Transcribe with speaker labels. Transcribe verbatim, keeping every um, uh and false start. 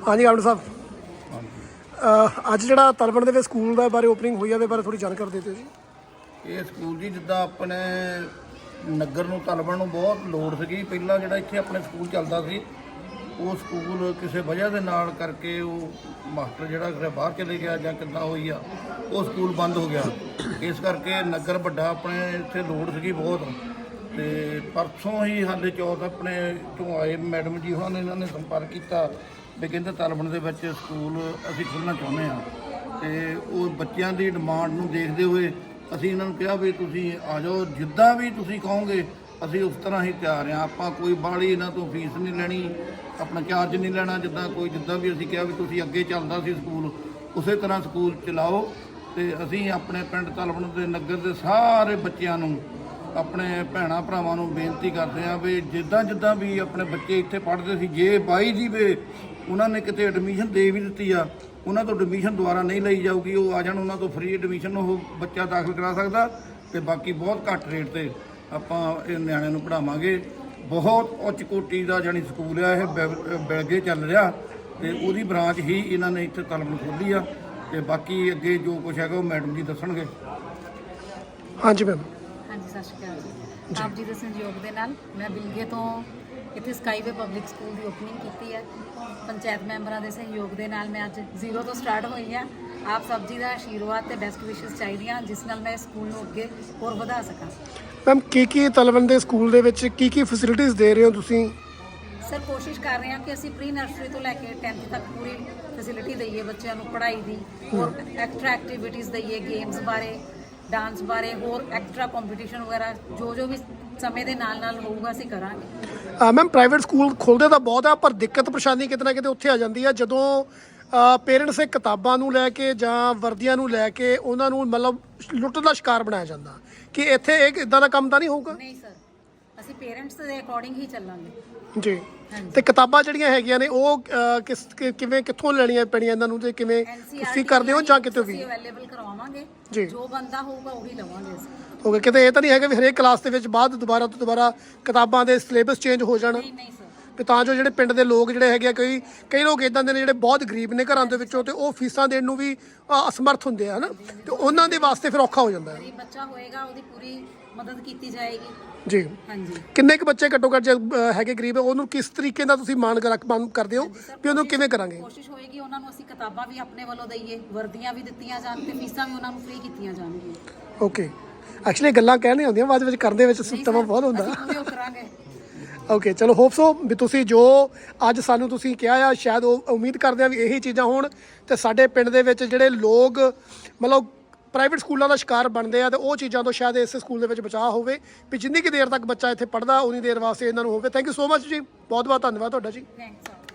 Speaker 1: हाँ जी आमड़ साहब, ਅੱਜ ਜਿਹੜਾ ਤਲਵਣ ਦੇ ਵਿੱਚ ਸਕੂਲ ਦੇ ਬਾਰੇ ਓਪਨਿੰਗ ਹੋਈ ਆ ਉਹਦੇ ਬਾਰੇ ਥੋੜੀ ਜਾਣਕਾਰੀ ਦੇ ਦਿਓ ਜੀ।
Speaker 2: ਇਹ ਸਕੂਲ ਜੀ ਜਿੱਦਾਂ ਆਪਣੇ ਨਗਰ ਨੂੰ ਤਲਵਣ ਨੂੰ ਬਹੁਤ ਲੋੜ ਸੀਗੀ। ਪਹਿਲਾਂ ਜਿਹੜਾ ਇੱਥੇ ਆਪਣੇ ਸਕੂਲ ਚੱਲਦਾ ਸੀ ਉਹ ਸਕੂਲ ਕਿਸੇ ਵਜ੍ਹਾ ਦੇ ਨਾਲ ਕਰਕੇ ਉਹ ਮਾਸਟਰ ਜਿਹੜਾ ਕਿਤੇ ਬਾਹਰ ਚਲੇ ਗਿਆ ਜਾਂ ਕਿੱਦਾਂ ਹੋਈ ਆ, ਉਹ ਸਕੂਲ ਬੰਦ ਹੋ ਗਿਆ। ਇਸ ਕਰਕੇ ਨਗਰ ਵੱਡਾ ਆਪਣੇ ਇੱਥੇ ਲੋੜ ਸੀਗੀ ਬਹੁਤ। ਤੇ ਪਰਸੋਂ ਹੀ ਸਾਡੇ ਚੌਥ ਆਪਣੇ ਤੋਂ ਆਏ ਮੈਡਮ ਜੀ ਉਹਨਾਂ ਨੇ ਇਹਨਾਂ ਨੇ ਸੰਪਰਕ ਕੀਤਾ ਵੀ ਕਹਿੰਦੇ ਤਲਵਣ ਦੇ ਵਿੱਚ ਸਕੂਲ ਅਸੀਂ ਖੋਲ੍ਹਣਾ ਚਾਹੁੰਦੇ ਹਾਂ। ਤੇ ਉਹ ਬੱਚਿਆਂ ਦੀ ਡਿਮਾਂਡ ਨੂੰ ਦੇਖਦੇ ਹੋਏ ਅਸੀਂ ਇਹਨਾਂ ਨੂੰ ਕਿਹਾ ਵੀ ਤੁਸੀਂ ਆ ਜਾਓ, ਜਿੱਦਾਂ ਵੀ ਤੁਸੀਂ ਕਹੋਗੇ ਅਸੀਂ ਉਸ ਤਰ੍ਹਾਂ ਹੀ ਤਿਆਰ ਹਾਂ। ਆਪਾਂ ਕੋਈ ਬਾਹਲੀ ਇਹਨਾਂ ਤੋਂ ਫੀਸ ਨਹੀਂ ਲੈਣੀ, ਆਪਣਾ ਚਾਰਜ ਨਹੀਂ ਲੈਣਾ। ਜਿੱਦਾਂ ਕੋਈ ਜਿੱਦਾਂ ਵੀ ਅਸੀਂ ਕਿਹਾ ਵੀ ਤੁਸੀਂ ਅੱਗੇ ਚੱਲਦਾ ਸੀ ਸਕੂਲ ਉਸੇ ਤਰ੍ਹਾਂ ਸਕੂਲ ਚਲਾਓ। ਤੇ ਅਸੀਂ ਆਪਣੇ ਪਿੰਡ ਤਲਵਣ ਦੇ ਨਗਰ ਦੇ ਸਾਰੇ ਬੱਚਿਆਂ ਨੂੰ, ਆਪਣੇ ਭੈਣਾਂ ਭਰਾਵਾਂ ਨੂੰ ਬੇਨਤੀ ਕਰਦੇ ਹਾਂ ਵੀ ਜਿੱਦਾਂ ਜਿੱਦਾਂ ਵੀ ਆਪਣੇ ਬੱਚੇ ਇੱਥੇ ਪੜ੍ਹਦੇ ਸੀ, ਜੇ ਬਾਈ ਜੀ ਵੇ ਉਹਨਾਂ ਨੇ ਕਿਤੇ ਐਡਮਿਸ਼ਨ ਦੇ ਵੀ ਦਿੱਤੀ ਆ, ਉਹਨਾਂ ਤੋਂ ਐਡਮਿਸ਼ਨ ਦੁਬਾਰਾ ਨਹੀਂ ਲਈ ਜਾਊਗੀ। ਉਹ ਆ ਜਾਣ, ਉਹਨਾਂ ਤੋਂ ਫ੍ਰੀ ਐਡਮਿਸ਼ਨ ਉਹ ਬੱਚਾ ਦਾਖਲ ਕਰਾ ਸਕਦਾ। ਤੇ ਬਾਕੀ ਬਹੁਤ ਘੱਟ ਰੇਟ ਤੇ ਆਪਾਂ ਇਹ ਨਿਆਣਿਆਂ ਨੂੰ ਪੜ੍ਹਾਵਾਂਗੇ। ਬਹੁਤ ਉੱਚ ਕੋਟੀ ਦਾ ਜਾਣੀ ਸਕੂਲ ਆ ਇਹ, ਬਿਲਗੇ ਚੱਲ ਰਿਹਾ ਤੇ ਉਹਦੀ ਬ੍ਰਾਂਚ ਹੀ ਇਹਨਾਂ ਨੇ ਇੱਥੇ ਤਲਵਣ ਖੋਲ੍ਹੀ ਆ। ਤੇ ਬਾਕੀ ਅੱਗੇ ਜੋ ਕੁਛ ਹੈਗਾ ਉਹ ਮੈਡਮ ਜੀ ਦੱਸਣਗੇ।
Speaker 1: ਹਾਂਜੀ ਮੈਮ।
Speaker 3: ਹਾਂਜੀ ਸਤਿ ਸ਼੍ਰੀ ਅਕਾਲ ਜੀ। ਆਪ ਜੀ ਦੇ ਸਹਿਯੋਗ ਦੇ ਨਾਲ ਮੈਂ ਬਿਲਗੇ ਤੋਂ ਇੱਥੇ ਸਕਾਈਵੇ ਪਬਲਿਕ ਸਕੂਲ ਦੀ ਓਪਨਿੰਗ ਕੀਤੀ ਹੈ। ਪੰਚਾਇਤ ਮੈਂਬਰਾਂ ਦੇ ਸਹਿਯੋਗ ਦੇ ਨਾਲ ਮੈਂ ਅੱਜ ਜ਼ੀਰੋ ਤੋਂ ਸਟਾਰਟ ਹੋਈ ਹਾਂ। ਆਪ ਸਭ ਜੀ ਦਾ ਆਸ਼ੀਰਵਾਦ ਤੇ ਬੈਸਟ ਵਿਸ਼ੇਸ ਚਾਹੀਦੀਆਂ ਜਿਸ ਨਾਲ ਮੈਂ ਇਸ ਸਕੂਲ ਨੂੰ ਅੱਗੇ ਹੋਰ ਵਧਾ ਸਕਾਂ।
Speaker 1: ਮੈਮ ਕੀ ਕੀ ਤਲਵਣ ਦੇ ਸਕੂਲ ਦੇ ਵਿੱਚ ਕੀ ਕੀ ਫੈਸਿਲਿਟੀਜ਼ ਦੇ ਰਹੇ ਹੋ ਤੁਸੀਂ?
Speaker 3: ਸਰ ਕੋਸ਼ਿਸ਼ ਕਰ ਰਹੇ ਹਾਂ ਕਿ ਅਸੀਂ ਪ੍ਰੀ ਨਰਸਰੀ ਤੋਂ ਲੈ ਕੇ ਟੈਂਥ ਤੱਕ ਪੂਰੀ ਫੈਸਿਲਿਟੀ ਦਈਏ ਬੱਚਿਆਂ ਨੂੰ ਪੜ੍ਹਾਈ ਦੀ। ਹੋਰ ਐਕਸਟਰਾ ਐਕਟੀਵਿਟੀਜ਼ ਦਈਏ, ਗੇਮਸ ਬਾਰੇ, ਡਾਂਸ ਬਾਰੇ, ਹੋਰ ਐਕਸਟਰਾ ਕੰਪੀਟੀਸ਼ਨ ਵਗੈਰਾ ਜੋ ਜੋ ਵੀ ਸਮੇਂ ਦੇ ਨਾਲ ਨਾਲ ਹੋਊਗਾ ਅਸੀਂ ਕਰਾਂਗੇ।
Speaker 1: ਮੈਮ ਪ੍ਰਾਈਵੇਟ ਸਕੂਲ ਖੋਲ੍ਹਦੇ ਤਾਂ ਬਹੁਤ ਆ, ਪਰ ਦਿੱਕਤ ਪਰੇਸ਼ਾਨੀ ਕਿਤੇ ਨਾ ਕਿਤੇ ਉੱਥੇ ਆ ਜਾਂਦੀ ਆ ਜਦੋਂ ਪੇਰੈਂਟਸ ਇਹ ਕਿਤਾਬਾਂ ਨੂੰ ਲੈ ਕੇ ਜਾਂ ਵਰਦੀਆਂ ਨੂੰ ਲੈ ਕੇ ਉਹਨਾਂ ਨੂੰ ਮਤਲਬ ਲੁੱਟ ਦਾ ਸ਼ਿਕਾਰ ਬਣਾਇਆ ਜਾਂਦਾ। ਕਿ ਇੱਥੇ ਇੱਕ ਇਦਾਂ ਦਾ ਕੰਮ ਤਾਂ ਨਹੀਂ ਹੋਊਗਾ?
Speaker 3: ਨਹੀਂ ਸਰ, ਅਸੀਂ ਪੇਰੈਂਟਸ ਦੇ ਅਕੋਰਡਿੰਗ ਹੀ ਚੱਲਾਂਗੇ
Speaker 1: ਜੀ। ਤੇ ਕਿਤਾਬਾਂ ਜਿਹੜੀਆਂ ਹੈਗੀਆਂ ਨੇ ਉਹ ਕਿਸ ਕਿਵੇਂ ਕਿੱਥੋਂ ਲੈਣੀਆਂ ਪੈਣੀਆਂ ਇਹਨਾਂ ਨੂੰ, ਤੇ ਕਿਵੇਂ ਤੁਸੀਂ ਕਰਦੇ ਹੋ ਜਾਂ ਕਿਤੇ ਵੀ
Speaker 3: ਅਵੇਲੇਬਲ ਕਰਵਾਵਾਂਗੇ
Speaker 1: ਜੀ?
Speaker 3: ਜੋ ਬੰਦਾ ਹੋਊਗਾ ਉਹੀ ਲਵਾਂਗੇ ਅਸੀਂ।
Speaker 1: ਓਕੇ, ਕਿਤੇ ਇਹ ਤਾਂ ਨਹੀਂ ਹੈਗਾ ਵੀ ਹਰੇਕ ਕਲਾਸ ਦੇ ਵਿੱਚ ਬਾਅਦ ਦੁਬਾਰਾ ਤੋਂ ਦੁਬਾਰਾ ਕਿਤਾਬਾਂ ਦੇ ਸਿਲੇਬਸ ਚੇਂਜ ਹੋ ਜਾਣ?
Speaker 3: ਨਹੀਂ ਨਹੀਂ ਸਰ।
Speaker 1: ਵੀ ਤਾਂ ਜੋ ਜਿਹੜੇ ਪਿੰਡ ਦੇ ਲੋਕ ਜਿਹੜੇ ਹੈਗੇ ਆ, ਕਈ ਕਈ ਲੋਕ ਇਦਾਂ ਦੇ ਨੇ ਜਿਹੜੇ ਬਹੁਤ ਗਰੀਬ ਨੇ ਘਰਾਂ ਦੇ ਵਿੱਚੋਂ ਤੇ ਉਹ ਫੀਸਾਂ ਦੇਣ ਨੂੰ ਵੀ ਅਸਮਰਥ ਹੁੰਦੇ ਆ, ਹਨਾ, ਤੇ ਉਹਨਾਂ ਦੇ ਵਾਸਤੇ ਫਿਰ ਔਖਾ ਹੋ ਜਾਂਦਾ ਹੈ।
Speaker 3: ਗਰੀਬ ਬੱਚਾ ਹੋਏਗਾ ਉਹਦੀ ਪੂਰੀ ਮਦਦ ਕੀਤੀ ਜਾਏਗੀ
Speaker 1: ਜੀ।
Speaker 3: ਹਾਂਜੀ।
Speaker 1: ਕਿੰਨੇ ਕੁ ਬੱਚੇ ਘੱਟੋ ਘੱਟ ਜੇ ਹੈਗੇ ਗਰੀਬ, ਉਹਨੂੰ ਕਿਸ ਤਰੀਕੇ ਨਾਲ ਤੁਸੀਂ ਮਾਣ ਕਰਦੇ ਹੋ ਵੀ ਉਹਨੂੰ ਕਿਵੇਂ ਕਰਾਂਗੇ?
Speaker 3: ਕੋਸ਼ਿਸ਼ ਹੋਏਗੀ ਉਹਨਾਂ ਨੂੰ ਅਸੀਂ ਕਿਤਾਬਾਂ ਵੀ ਆਪਣੇ ਵੱਲੋਂ ਦਈਏ, ਵਰਦੀਆਂ ਵੀ ਦਿੱਤੀਆਂ ਜਾਣ ਤੇ ਫੀਸਾਂ ਵੀ ਉਹਨਾਂ ਨੂੰ ਫ੍ਰੀ ਕੀਤੀਆਂ ਜਾਣਗੀਆਂ।
Speaker 1: ਓਕੇ, ਐਕਚੁਅਲੀ ਗੱਲਾਂ ਕਹਿਣੀਆਂ ਹੁੰਦੀਆਂ, ਬਾਅਦ ਵਿੱਚ ਕਰਨ ਦੇ ਵਿੱਚ ਸਮਾਂ ਬਹੁਤ ਹੁੰਦਾ।
Speaker 3: ਅਸੀਂ ਕਰਾਂਗੇ।
Speaker 1: ਓਕੇ, ਚਲੋ ਹੋਪ ਸੋ ਵੀ ਤੁਸੀਂ ਜੋ ਅੱਜ ਸਾਨੂੰ ਤੁਸੀਂ ਕਿਹਾ ਆ, ਸ਼ਾਇਦ ਉਹ ਉਮੀਦ ਕਰਦੇ ਆ ਵੀ ਇਹੀ ਚੀਜ਼ਾਂ ਹੋਣ ਤੇ ਸਾਡੇ ਪਿੰਡ ਦੇ ਵਿੱਚ ਜਿਹੜੇ ਲੋਕ ਮਤਲਬ ਪ੍ਰਾਈਵੇਟ ਸਕੂਲਾਂ ਦਾ ਸ਼ਿਕਾਰ ਬਣਦੇ ਆ ਤੇ ਉਹ ਚੀਜ਼ਾਂ ਤੋਂ ਸ਼ਾਇਦ ਇਸ ਸਕੂਲ ਦੇ ਵਿੱਚ ਬਚਾਅ ਹੋਵੇ ਵੀ ਜਿੰਨੀ ਕੁ ਦੇਰ ਤੱਕ ਬੱਚਾ ਇੱਥੇ ਪੜ੍ਹਦਾ ਉਨੀ ਦੇਰ ਵਾਸਤੇ ਇਹਨਾਂ ਨੂੰ ਹੋਵੇ। ਥੈਂਕ ਯੂ ਸੋ ਮਚ ਜੀ, ਬਹੁਤ ਬਹੁਤ ਧੰਨਵਾਦ ਤੁਹਾਡਾ ਜੀ।
Speaker 3: ਥੈਂਕਸ।